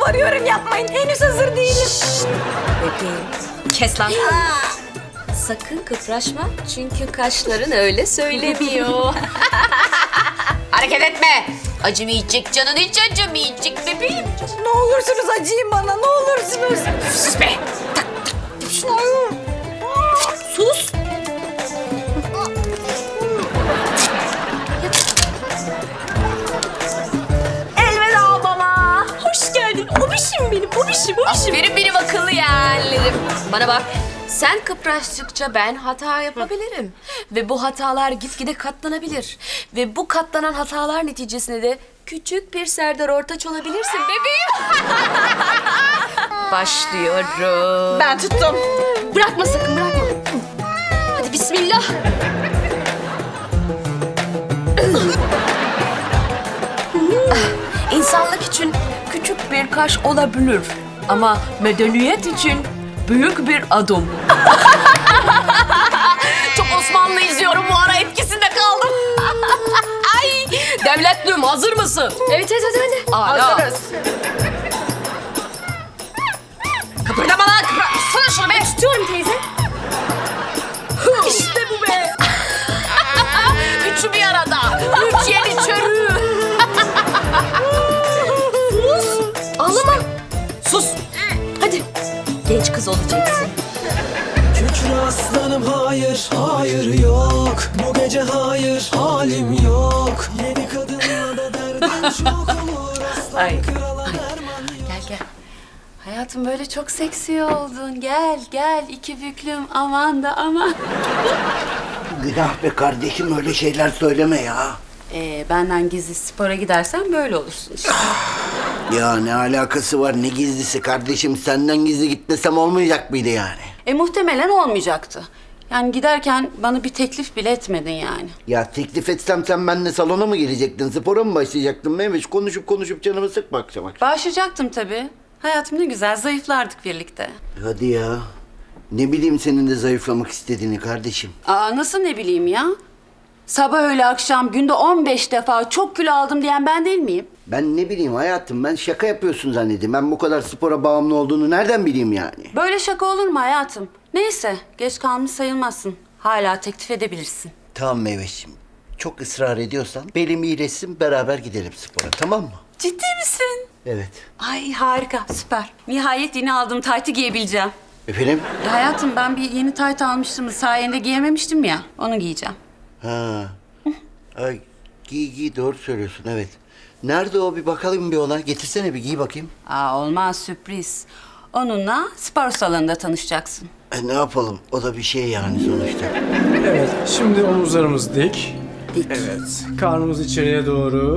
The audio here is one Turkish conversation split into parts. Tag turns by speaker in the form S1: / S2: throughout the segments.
S1: Yalvarıyorum yapmayın. Henüz hazır değilim.
S2: Bebeğim, kes lan. Sakın kıpraşma çünkü kaşların öyle söylemiyor. Hareket etme. Acımayacak canın, hiç acımayacak bebeğim.
S1: Ne olursunuz acıyın bana, ne olursunuz.
S2: Sus be. Sus.
S1: Elveda baba. Hoş geldin. Obişim benim, obişim.
S2: Aferin benim akıllı yeğenlerim. Bana bak. Sen kıpraştıkça ben hata yapabilirim. Ve bu hatalar gitgide katlanabilir. Ve bu katlanan hatalar neticesinde de küçük bir Serdar Ortaç olabilirsin bebeğim. Başlıyorum.
S1: Ben tuttum.
S2: Bırakma sakın, bırakma. Hadi bismillah. İnsanlık için küçük bir kaş olabilir. Ama medeniyet için büyük bir adım. Çok Osmanlı izliyorum bu ara, etkisinde kaldım. Ay, devletlüm hazır mısın? Evet hadi.
S1: Hazırız.
S2: Kıpırdama lan, kıpırdama şunu be.
S1: Tutuyorum teyze.
S2: İşte bu be. Üçü bir arada. Üç yeni çörü. Sus. Ağlama. Sus. Hadi. Genç kız olacaksın.
S3: Kükre aslanım hayır, hayır yok. Bu gece hayır, halim yok. Yeni kadınla da derdin çok olur. Aslan
S2: Ay.
S3: krala derman yok.
S2: Gel. Hayatım böyle çok seksi oldun. Gel. İki büklüm aman da aman.
S4: Günah be kardeşim, öyle şeyler söyleme ya.
S2: Benden gizli spora gidersen böyle olursun işte.
S4: Ya ne alakası var, ne gizlisi kardeşim, senden gizli gitmesem olmayacak mıydı yani?
S2: Muhtemelen olmayacaktı. Yani giderken bana bir teklif bile etmedin yani.
S4: Ya teklif etsem sen benimle salona mı gelecektin, spora mı başlayacaktın Mehmet? Konuşup canımı sıkma akşam.
S2: Başlayacaktım tabii. Hayatım ne güzel, zayıflardık birlikte.
S4: Hadi ya. Ne bileyim senin de zayıflamak istediğini kardeşim.
S2: Aa, nasıl ne bileyim ya? Sabah öğle akşam günde 15 defa çok kilo aldım diyen ben değil miyim?
S4: Ben ne bileyim hayatım, ben şaka yapıyorsun zannedeyim. Ben bu kadar spora bağımlı olduğunu nereden bileyim yani?
S2: Böyle şaka olur mu hayatım? Neyse, geç kalmış sayılmazsın. Hala teklif edebilirsin.
S4: Tamam Meyveş'im. Çok ısrar ediyorsan belim iyileşsin, beraber gidelim spora, tamam mı?
S2: Ciddi misin?
S4: Evet.
S2: Ay harika, süper. Nihayet yeni aldığım taytı giyebileceğim.
S4: Efendim?
S2: Hayatım ben bir yeni tayt almıştım. Sayende giyememiştim ya. Onu giyeceğim.
S4: Ha. Ay, giy doğru söylüyorsun, evet. Nerede o, bir bakalım bir ona. Getirsene bir, giy bakayım.
S2: Aa, olmaz, sürpriz. Onunla spor salonunda tanışacaksın.
S4: Ne yapalım? O da bir şey yani sonuçta.
S3: Evet, şimdi omuzlarımız dik.
S2: Dik.
S3: Evet, karnımız içeriye doğru.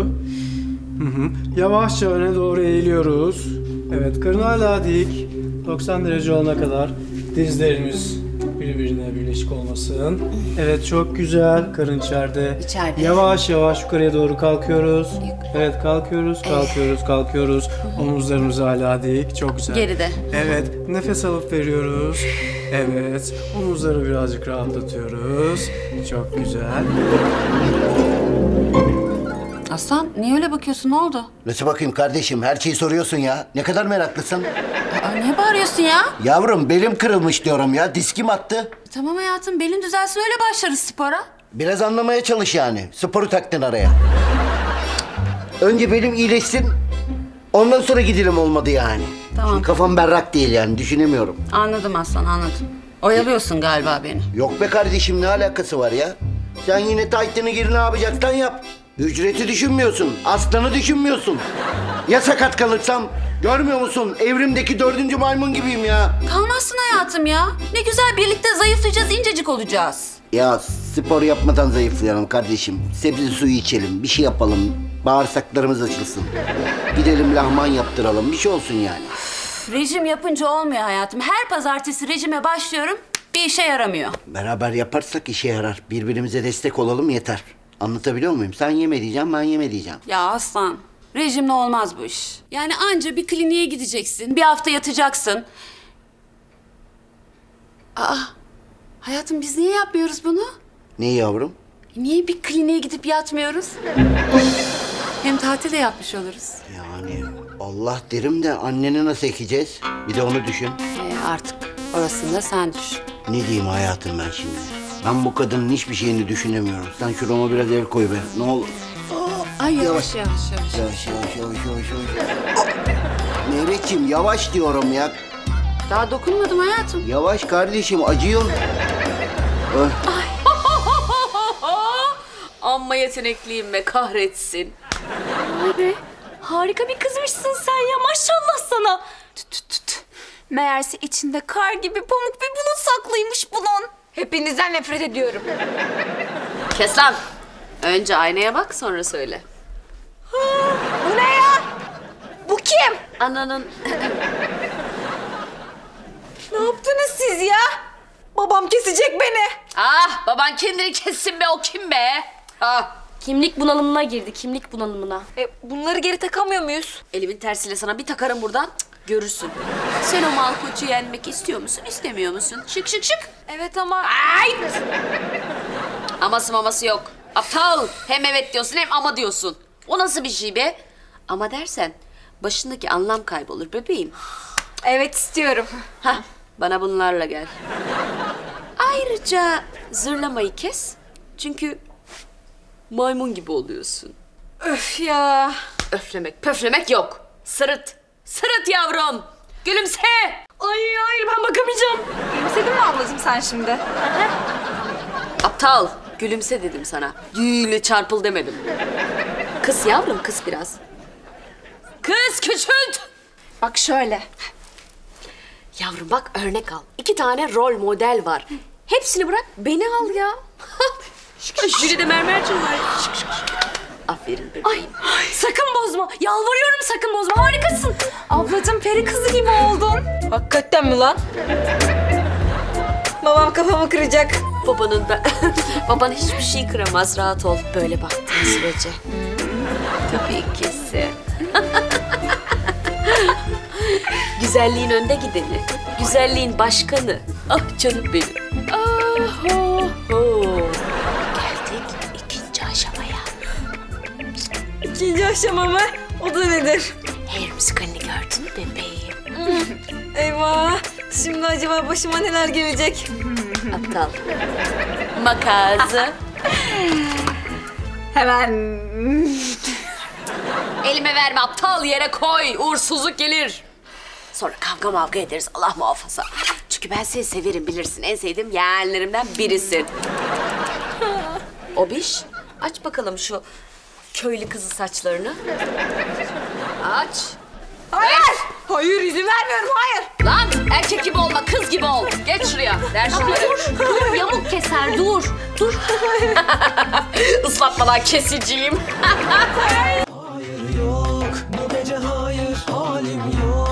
S3: Yavaşça öne doğru eğiliyoruz. Evet, karın hala dik. 90 derece olana kadar dizlerimiz birbirine birleşik olmasın. Evet, çok güzel. Karın içeride.
S2: İçeride.
S3: Yavaş yukarıya doğru kalkıyoruz. Evet, kalkıyoruz. Omuzlarımız hala dik. Çok güzel.
S2: Geride.
S3: Evet, nefes alıp veriyoruz. Evet, omuzları birazcık rahatlatıyoruz. Çok güzel.
S2: Aslan niye öyle bakıyorsun, ne oldu?
S4: Nasıl bakayım kardeşim? Her şeyi soruyorsun ya. Ne kadar meraklısın.
S2: Aa, niye bağırıyorsun ya?
S4: Yavrum belim kırılmış diyorum ya. Diskim attı.
S2: Tamam hayatım, belin düzelsin öyle başlarız spora.
S4: Biraz anlamaya çalış yani. Sporu taktın araya. Önce belim iyileşsin. Ondan sonra gidelim, olmadı yani.
S2: Tamam.
S4: Şimdi kafam berrak değil yani. Düşünemiyorum.
S2: Anladım Aslan, anladım. Oyalıyorsun galiba beni.
S4: Yok be kardeşim, ne alakası var ya? Sen yine taytını gir, ne yapacaksan yap. Ücreti düşünmüyorsun, aslanı düşünmüyorsun. Ya sakat kalırsam? Görmüyor musun? Evrimdeki 4. maymun gibiyim ya.
S2: Kalmazsın hayatım ya. Ne güzel birlikte zayıflayacağız, incecik olacağız.
S4: Ya spor yapmadan zayıflayalım kardeşim. Sebze suyu içelim, bir şey yapalım. Bağırsaklarımız açılsın. Gidelim lahman yaptıralım, bir şey olsun yani.
S2: Rejim yapınca olmuyor hayatım. Her pazartesi rejime başlıyorum, bir işe yaramıyor.
S4: Beraber yaparsak işe yarar. Birbirimize destek olalım yeter. Anlatabiliyor muyum? Sen yeme diyeceğim, ben yeme diyeceğim.
S2: Ya Aslan, rejimle olmaz bu iş. Yani anca bir kliniğe gideceksin, bir hafta yatacaksın. Aa, hayatım biz niye yapmıyoruz bunu?
S4: Ne yavrum?
S2: Niye bir kliniğe gidip yatmıyoruz? Hem tatil de yapmış oluruz.
S4: Yani Allah derim de anneni nasıl ekeceğiz? Bir de onu düşün.
S2: Artık orasını da sen düşün.
S4: Ne diyeyim hayatım ben şimdi? Ben bu kadının hiçbir şeyini düşünemiyorum. Sen şurama biraz el koy be. Ne olur.
S2: Ay yavaş yavaş.
S4: Yavaş. Mehmetciğim yavaş diyorum ya.
S2: Daha dokunmadım hayatım.
S4: Yavaş kardeşim acıyor.
S2: Amma yetenekliyim be kahretsin.
S1: Vay be. Harika bir kızmışsın sen ya. Maşallah sana. Tüt. Meğerse içinde kar gibi pamuk bir bulut saklıymış bunun. Hepinizden nefret ediyorum.
S2: Kes lan. Önce aynaya bak sonra söyle.
S1: Bu ne ya? Bu kim?
S2: Ananın...
S1: Ne yaptınız siz ya? Babam kesecek beni.
S2: Ah baban kendini kessin be, o kim be? Ah.
S1: Kimlik bunalımına girdi, kimlik bunalımına. Bunları geri takamıyor muyuz?
S2: Elimin tersiyle sana bir takarım buradan. Cık, görürsün. Sen o Malkoç'u yenmek istiyor musun, istemiyor musun? Şık.
S1: Evet ama...
S2: Ay! Aması maması yok. Aptal. Hem evet diyorsun hem ama diyorsun. O nasıl bir şey be? Ama dersen başındaki anlam kaybolur bebeğim.
S1: Evet istiyorum.
S2: Hah, bana bunlarla gel. Ayrıca zırlamayı kes. Çünkü maymun gibi oluyorsun.
S1: Öf ya.
S2: Öflemek, pöflemek yok. Sırıt. Sırıt yavrum. Gülümse.
S1: Ay hayır ben bakamayacağım. Gülümsedin mi ablacığım sen şimdi?
S2: Aptal. Gülümse dedim sana. Düğüyle çarpıl demedim. Kız yavrum, kız biraz. Kız küçült.
S1: Bak şöyle.
S2: Yavrum bak örnek al. 2 tane rol model var. Hepsini bırak beni al ya. Biri de mermerci var. Aferin bebeğim.
S1: Sakın bozma. Yalvarıyorum sakın bozma. Harikasın. Ablacığım peri kızı gibi oldun. Hakikaten mi lan? Babam kafamı kıracak.
S2: Baban hiçbir şey kıramaz, rahat ol. Böyle baktığın sürece. Tabii ki sen. Güzelliğin önde gideni. Güzelliğin başkanı. Ah canım benim. Ah, oh, oh. Geldik ikinci aşamaya.
S1: İkinci aşama mı? O da nedir?
S2: Hair müzikalini gördün mü bebeğim?
S1: Eyvah. Şimdi acaba başıma neler gelecek?
S2: Aptal. Makazı.
S1: Hemen.
S2: Elime verme aptal, yere koy. Uğursuzluk gelir. Sonra kavga mavga ederiz, Allah muhafaza. Çünkü ben seni severim bilirsin. En sevdiğim yeğenlerimden birisin. Obiş, aç bakalım şu köylü kızı saçlarını. Aç.
S1: Hayır. Hayır izin vermiyorum hayır.
S2: Lan erkek gibi olma, kız gibi ol. Geç şuraya, ver şunları.
S1: Dur yamuk keser dur. Dur.
S2: Islatmadan kesiciyim.
S5: Hayır yok, bu gece hayır, halim yok.